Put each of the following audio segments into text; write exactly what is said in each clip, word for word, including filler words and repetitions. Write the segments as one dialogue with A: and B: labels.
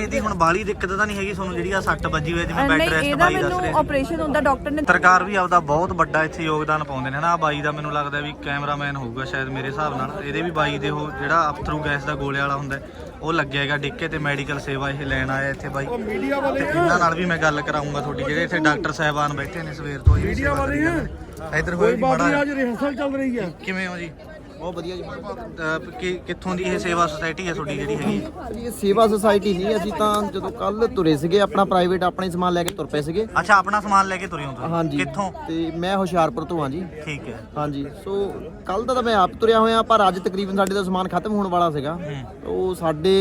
A: ਭੈਣੇ ਇਹਦੀ ਹੁਣ ਬਾਹਲੀ ਦਿੱਕਤ ਤਾਂ ਨਹੀਂ ਹੈਗੀ ਤੁਹਾਨੂੰ ਜਿਹੜੀ ਆ ਸੱਟ ਵੱਜੀ ਹੋਈ ਜਿਵੇਂ ਬੈੱਡ ਰੈਸਟ ਬਾਈ ਦੱਸ ਰਹੇ
B: ਆਪਰੇਸ਼ਨ ਹੁੰਦਾ ਡਾਕਟਰ ਨੇ।
A: ਸਰਕਾਰ ਵੀ ਆਪਦਾ ਬਹੁਤ ਵੱਡਾ ਇੱਥੇ ਯੋਗਦਾਨ ਪਾਉਂਦੇ ਨੇ ਹਨਾ। ਬਾਈ ਦਾ ਮੈਨੂੰ ਲੱਗਦਾ ਵੀ ਕੈਮਰਾਮੈਨ ਹੋਊਗਾ ਸ਼ਾਇਦ ਮੇਰੇ ਹਿਸਾਬ ਨਾਲ। ਇਹਦੇ ਵੀ ਬਾਈ ਦੇ ਉਹ ਜਿਹੜਾ ਅਫਥਰੂ ਗੈਸ ਦਾ ਗੋਲੇ ਵਾਲਾ ਹੁੰਦਾ ਉਹ ਲੱਗਿਆ ਹੈਗਾ ਡਿੱਕੇ ਤੇ ਮੈਡੀਕਲ ਸੇਵਾ ਇਹ ਲੈਣ ਆਇਆ ਇੱਥੇ ਬਾਈ। ਤੇ ਇਹਨਾਂ ਨਾਲ ਵੀ ਮੈਂ ਗੱਲ ਕਰਾਉਂਗਾ ਤੁਹਾਡੀ, ਜਿਹੜੇ ਇੱਥੇ ਡਾਕਟਰ ਸਾਹਿਬਾਨ ਬੈਠੇ ਨੇ ਸਵੇਰ ਤੋਂ। ਮੀਡੀਆ ਵਾਲੇ ਆ ਇੱਧਰ ਹੋਏ ਜੀ ਮਾੜਾ।
C: ਅੱਜ ਰਿਹਰਸਲ ਚੱਲ ਰਹੀ ਹੈ।
A: ਕਿਵੇਂ ਹੋ ਜੀ?
C: ਬਹੁਤ ਵਧੀਆ ਜੀ।
A: ਕਿੱਥੋਂ ਦੀ ਇਹ ਸੇਵਾ ਸੁਸਾਇਟੀ ਹੈ ਤੁਹਾਡੀ ਜਿਹੜੀ ਹੈਗੀ?
C: ਇਹ ਸੇਵਾ ਸੁਸਾਇਟੀ ਨਹੀਂ, ਅਸੀਂ ਤਾਂ ਜਦੋਂ ਕੱਲ ਤੁਰੇ ਸੀਗੇ ਆਪਣਾ ਪ੍ਰਾਈਵੇਟ ਆਪਣੇ ਸਮਾਨ ਲੈ ਕੇ ਤੁਰ ਪਏ ਸੀਗੇ।
A: ਅੱਛਾ, ਆਪਣਾ ਸਮਾਨ ਲੈ ਕੇ ਤੁਰੇ ਹੋ ਤੁਸੀਂ?
C: ਹਾਂਜੀ।
A: ਕਿੱਥੋਂ?
C: ਤੇ ਮੈਂ ਹੁਸ਼ਿਆਰਪੁਰ ਤੋਂ ਹਾਂ ਜੀ।
A: ਠੀਕ ਹੈ।
C: ਹਾਂਜੀ, ਸੋ ਕੱਲ ਦਾ ਤਾਂ ਮੈਂ ਆਪ ਤੁਰਿਆ ਹੋਇਆ, ਪਰ ਅੱਜ ਤਕਰੀਬਨ ਸਾਡੇ ਦਾ ਸਮਾਨ ਖਤਮ ਹੋਣ ਵਾਲਾ ਸੀਗਾ। ਉਹ ਸਾਡੇ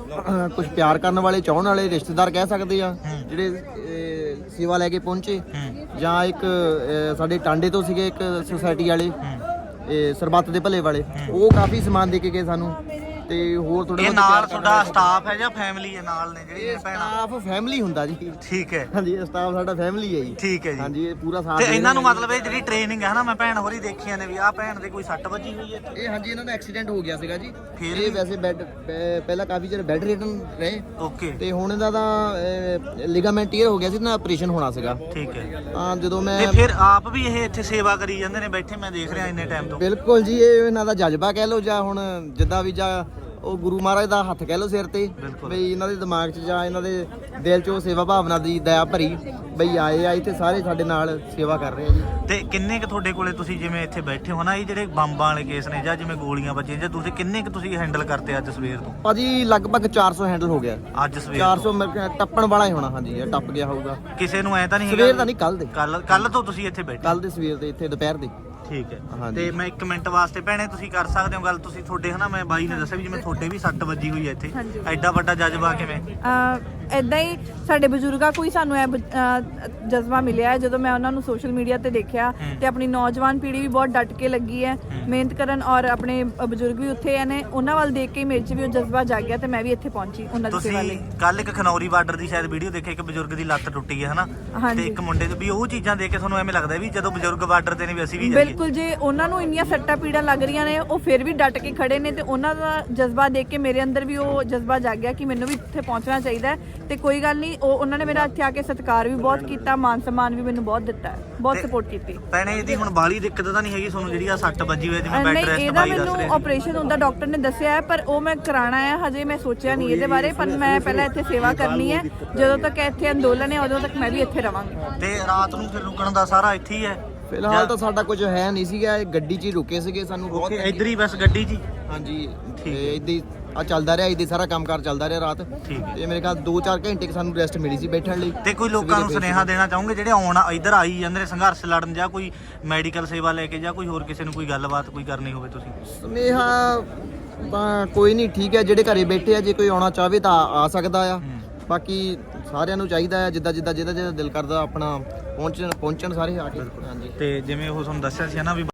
C: ਕੁਝ ਪਿਆਰ ਕਰਨ ਵਾਲੇ ਚਾਹਣ ਵਾਲੇ ਰਿਸ਼ਤੇਦਾਰ ਕਹਿ ਸਕਦੇ ਆ ਜਿਹੜੇ ਸੇਵਾ ਲੈ ਕੇ ਪਹੁੰਚੇ, ਜਾਂ ਇੱਕ ਸਾਡੇ ਟਾਂਡੇ ਤੋਂ ਸੀਗੇ ਇੱਕ ਸੁਸਾਇਟੀ ਵਾਲੇ ਇਹ ਸਰਬੱਤ ਦੇ ਭਲੇ ਵਾਲੇ, ਉਹ ਕਾਫੀ ਸਮਾਨ ਦੇ ਕੇ ਗਏ ਸਾਨੂੰ। ਤੇ ਹੋਰ ਥੋੜਾ
A: ਇਹ ਨਾਲ ਤੁਹਾਡਾ ਸਟਾਫ ਹੈ ਜਾਂ ਫੈਮਿਲੀ ਹੈ ਨਾਲ ਨੇ ਜਿਹੜੀ ਭੈਣਾਂ?
C: ਸਟਾਫ ਫੈਮਿਲੀ ਹੁੰਦਾ ਜੀ।
A: ਠੀਕ ਹੈ।
C: ਹਾਂਜੀ, ਸਟਾਫ ਸਾਡਾ ਫੈਮਿਲੀ ਹੈ ਜੀ।
A: ਠੀਕ ਹੈ ਜੀ।
C: ਹਾਂਜੀ, ਇਹ ਪੂਰਾ ਸਾਥ।
A: ਤੇ ਇਹਨਾਂ ਨੂੰ ਮਤਲਬ ਇਹ ਜਿਹੜੀ ਟ੍ਰੇਨਿੰਗ ਹੈ ਨਾ, ਮੈਂ ਭੈਣ ਹੋਰੀ ਦੇਖੀਆਂ ਨੇ ਵੀ ਆਹ ਭੈਣ ਦੇ ਕੋਈ ਸੱਟ ਵੱਜੀ ਹੋਈ ਹੈ?
C: ਇਹ ਹਾਂਜੀ, ਇਹਨਾਂ ਦਾ ਐਕਸੀਡੈਂਟ ਹੋ ਗਿਆ ਸੀਗਾ ਜੀ।
A: ਫਿਰ
C: ਇਹ ਵੈਸੇ ਬੈੱਡ ਪਹਿਲਾਂ ਕਾਫੀ ਚਿਰ ਬੈੱਡ ਰਿਟਨ ਰਹੇ।
A: ਓਕੇ।
C: ਤੇ ਹੁਣ ਇਹਦਾ ਤਾਂ ਲਿਗਾਮੈਂਟ ਟੀਅਰ ਹੋ ਗਿਆ ਸੀ ਨਾ, ਆਪਰੇਸ਼ਨ ਹੋਣਾ ਸੀਗਾ।
A: ਠੀਕ ਹੈ।
C: ਹਾਂ, ਜਦੋਂ ਮੈਂ
A: ਤੇ ਫਿਰ ਆਪ ਵੀ ਇਹ ਇੱਥੇ ਸੇਵਾ ਕਰੀ ਜਾਂਦੇ ਨੇ ਬੈਠੇ, ਮੈਂ ਦੇਖ ਰਿਹਾ ਇੰਨੇ ਟਾਈਮ ਤੋਂ।
C: ਬਿਲਕੁਲ ਜੀ, ਇਹ ਇਹਨਾਂ ਦਾ ਜਜ਼ਬਾ ਕਹਿ ਲਓ, ਜਾਂ ਹੁਣ ਜਿੱਦਾਂ ਵੀ ਜਾਂ ਉਹ ਗੁਰੂ ਮਹਾਰਾਜ ਦਾ ਹੱਥ ਕਹਿ ਲਓ ਸਿਰ ਤੇ, ਬਈ ਇਹਨਾਂ ਦੇ ਦਿਮਾਗ 'ਚ ਜਾਂ ਇਹਨਾਂ ਦੇ ਦਿਲ 'ਚ ਉਹ ਸੇਵਾ ਭਾਵਨਾ ਦੀ ਦਇਆ ਭਰੀ ਬਈ ਆਏ ਆ ਇੱਥੇ ਸਾਰੇ ਸਾਡੇ ਨਾਲ ਸੇਵਾ ਕਰ ਰਹੇ ਆ ਜੀ।
A: ਤੇ ਕਿੰਨੇ ਕੁ ਤੁਹਾਡੇ ਕੋਲੇ ਤੁਸੀਂ ਜਿਵੇਂ ਇੱਥੇ ਬੈਠੇ ਹੋ ਨਾ, ਇਹ ਜਿਹੜੇ ਬੰਬਾਂ ਵਾਲੇ ਕੇਸ ਨੇ ਜਾਂ ਜਿਵੇਂ ਗੋਲੀਆਂ ਵੱਜੀਆਂ, ਜਾਂ ਤੁਸੀਂ ਕਿੰਨੇ ਕੁ ਤੁਸੀਂ ਹੈਂਡਲ ਕਰਤੇ ਅੱਜ ਸਵੇਰ ਤੋਂ?
C: ਭਾਜੀ ਲਗਭਗ ਚਾਰ ਸੌ ਹੈਂਡਲ ਹੋ ਗਿਆ
A: ਅੱਜ ਸਵੇਰ
C: ਚਾਰ ਸੌ ਟੱਪਣ ਵਾਲਾ ਹੀ ਹੋਣਾ। ਹਾਂਜੀ, ਇਹ ਟੱਪ ਗਿਆ ਹੋਊਗਾ।
A: ਕਿਸੇ ਨੂੰ ਐ ਤਾਂ ਨਹੀਂ
C: ਸਵੇਰ ਦਾ ਨਹੀਂ, ਕੱਲ ਦੇ।
A: ਕੱਲ ਕੱਲ ਤੋਂ ਤੁਸੀਂ ਇੱਥੇ ਬੈਠੇ?
C: ਕੱਲ ਦੇ ਸਵੇਰ ਦੇ ਇੱਥੇ ਦੁਪਹਿਰ ਦੇ।
A: ਠੀਕ ਹੈ। ਤੇ ਮੈਂ ਇੱਕ ਮਿੰਟ ਵਾਸਤੇ ਭੈਣੇ ਤੁਸੀਂ ਕਰ ਸਕਦੇ ਹੋ ਗੱਲ? ਤੁਸੀਂ ਤੁਹਾਡੇ ਹਨਾ, ਮੈਂ ਬਾਈ ਨੇ ਦੱਸਿਆ ਵੀ ਜਿਵੇਂ ਤੁਹਾਡੇ ਵੀ ਸੱਟ ਵੱਜੀ ਹੋਈ ਹੈ ਇੱਥੇ, ਐਡਾ ਵੱਡਾ ਜਜ਼ਬਾ ਕਿਵੇਂ?
B: ਇਦਾਂ ਹੀ ਸਾਡੇ ਬਜ਼ੁਰਗਾਂ ਕੋਈ ਸਾਨੂੰ ਇਹ ਜਜ਼ਬਾ ਮਿਲਿਆ ਹੈ। ਜਦੋਂ ਮੈਂ ਉਹਨਾਂ ਨੂੰ ਸੋਸ਼ਲ ਮੀਡੀਆ ਤੇ ਦੇਖਿਆ ਤੇ ਆਪਣੀ ਨੌਜਵਾਨ ਪੀੜ੍ਹੀ ਵੀ ਬਹੁਤ ਡਟ ਕੇ ਲੱਗੀ ਹੈ ਮਿਹਨਤ ਕਰਨ, ਔਰ ਆਪਣੇ ਬਜ਼ੁਰਗ ਵੀ ਉੱਥੇ ਨੇ, ਉਹਨਾਂ ਵੱਲ ਦੇਖ ਕੇ ਮੇਰੇ 'ਚ ਵੀ ਉਹ ਜਜ਼ਬਾ ਜਾਗਿਆ ਤੇ ਮੈਂ ਵੀ ਇੱਥੇ ਪਹੁੰਚੀ ਉਹਨਾਂ ਦੀ ਸੇਵਾ ਲਈ।
A: ਕੱਲ ਇੱਕ ਖਨੌਰੀ ਬਾਰਡਰ ਦੀ ਸ਼ਾਇਦ ਵੀਡੀਓ ਦੇਖੀ, ਇੱਕ ਬਜ਼ੁਰਗ ਦੀ ਲੱਤ ਟੁੱਟੀ ਹੈ ਹਨਾ, ਤੇ ਇੱਕ ਮੁੰਡੇ ਦੀ ਵੀ, ਉਹ ਚੀਜ਼ਾਂ ਦੇਖ ਕੇ ਤੁਹਾਨੂੰ ਐਵੇਂ ਲੱਗਦਾ ਵੀ ਜਦੋਂ ਬਜ਼ੁਰਗ ਬਾਰਡਰ ਤੇ ਨੇ ਵੀ ਅਸੀਂ ਵੀ ਜਾਈਏ?
B: ਬਿਲਕੁਲ, ਜੇ ਉਹਨਾਂ ਨੂੰ ਇੰਨੀਆਂ ਸੱਟਾਂ ਪੀੜਾਂ ਲੱਗ ਰਹੀਆਂ ਨੇ ਉਹ ਫਿਰ ਵੀ ਡਟ ਕੇ ਖੜੇ ਨੇ, ਤੇ ਉਹਨਾਂ ਦਾ ਜਜ਼ਬਾ ਦੇਖ ਕੇ ਮੇਰੇ ਅੰਦਰ ਵੀ ਉਹ ਜਜ਼ਬਾ ਜਾਗਿਆ ਕਿ ਮੈਨੂੰ ਵੀ ਇੱਥੇ ਪਹੁੰਚਣਾ ਚਾਹੀਦਾ ਹੈ। ਤੇ ਕੋਈ ਗੱਲ ਨਹੀਂ, ਉਹ ਉਹਨਾਂ ਨੇ ਮੇਰਾ ਇੱਥੇ ਆ ਕੇ ਸਤਿਕਾਰ ਵੀ ਬਹੁਤ ਕੀਤਾ, ਮਾਨ ਸਨਮਾਨ ਵੀ ਮੈਨੂੰ ਬਹੁਤ ਦਿੱਤਾ ਹੈ, ਬਹੁਤ ਸਪੋਰਟ ਕੀਤੀ।
A: ਭੈਣੇ ਇਹਦੀ ਹੁਣ ਬਾਹਲੀ ਦਿੱਕਤ ਤਾਂ ਨਹੀਂ ਹੈਗੀ ਤੁਹਾਨੂੰ ਜਿਹੜੀ ਆ ਸੱਟ ਵੱਜੀ ਹੋਈ ਜਿਵੇਂ ਬੈੱਡ ਰੈਸਟ
B: ਇਹਦਾ ਮੈਨੂੰ ਆਪਰੇਸ਼ਨ ਹੁੰਦਾ ਡਾਕਟਰ ਨੇ ਦੱਸਿਆ ਹੈ, ਪਰ ਉਹ ਮੈਂ ਕਰਾਉਣਾ ਹੈ। ਹਜੇ ਮੈਂ ਸੋਚਿਆ ਨਹੀਂ ਇਹਦੇ ਬਾਰੇ, ਪਰ ਮੈਂ ਪਹਿਲਾਂ ਇੱਥੇ ਸੇਵਾ ਕਰਨੀ ਹੈ। ਜਦੋਂ ਤੱਕ ਇੱਥੇ ਅੰਦੋਲਨ ਹੈ ਉਦੋਂ ਤੱਕ ਮੈਂ ਵੀ ਇੱਥੇ ਰਵਾਂਗੀ।
A: ਤੇ ਰਾਤ ਨੂੰ ਫਿਰ ਰੁਕਣ ਦਾ ਸਾਰਾ ਇੱਥੇ ਹੀ ਹੈ?
C: ਫਿਲਹਾਲ ਤਾਂ ਸਾਡਾ ਕੁਝ ਹੈ ਨਹੀਂ ਸੀਗਾ, ਗੱਡੀ 'ਚ ਹੀ ਰੁਕੇ ਸੀਗੇ। ਸਾਨੂੰ ਬਹੁਤ
A: ਇੱਧਰ ਹੀ ਬਸ ਗੱਡੀ 'ਚ ਹੀ?
C: ਹਾਂਜੀ, ਇੱਦਾਂ ਹੀ ਆ ਚੱਲਦਾ ਰਿਹਾ, ਇੱਦਾਂ ਸਾਰਾ ਕੰਮਕਾਰ ਚੱਲਦਾ ਰਿਹਾ ਰਾਤ। ਤੇ ਮੇਰੇ ਖਿਆਲ ਦੋ ਚਾਰ ਘੰਟੇ ਸਾਨੂੰ ਰੈਸਟ ਮਿਲੀ ਸੀ ਬੈਠਣ ਲਈ।
A: ਤੇ ਕੋਈ ਲੋਕਾਂ ਨੂੰ ਸੁਨੇਹਾ ਦੇਣਾ ਚਾਹੋਗੇ ਜਿਹੜੇ ਆਉਣ ਇੱਧਰ ਆਈ ਜਾਂਦੇ ਨੇ ਸੰਘਰਸ਼ ਲੜਨ, ਜਾਂ ਕੋਈ ਮੈਡੀਕਲ ਸੇਵਾ ਲੈ ਕੇ, ਜਾਂ ਕੋਈ ਹੋਰ ਕਿਸੇ ਨੂੰ ਕੋਈ ਗੱਲਬਾਤ ਕੋਈ ਕਰਨੀ ਹੋਵੇ ਤੁਸੀਂ?
C: ਸੁਨੇਹਾ ਤਾਂ ਕੋਈ ਨਹੀਂ, ਠੀਕ ਹੈ, ਜਿਹੜੇ ਘਰੇ ਬੈਠੇ ਆ ਜੇ ਕੋਈ ਆਉਣਾ ਚਾਹਵੇ ਤਾਂ ਆ ਸਕਦਾ ਆ। ਬਾਕੀ ਸਾਰਿਆਂ ਨੂੰ ਚਾਹੀਦਾ ਹੈ ਜਿੱਦਾਂ ਜਿੱਦਾਂ ਜਿਹਦਾ ਜਿਹਦਾ ਦਿਲ ਕਰਦਾ ਆਪਣਾ ਪਹੁੰਚਣ ਪਹੁੰਚਣ ਸਾਰੇ ਆ ਕੇ। ਹਾਂਜੀ।
A: ਤੇ ਜਿਵੇਂ ਉਹ ਤੁਹਾਨੂੰ ਦੱਸਿਆ ਸੀ ਨਾ ਵੀ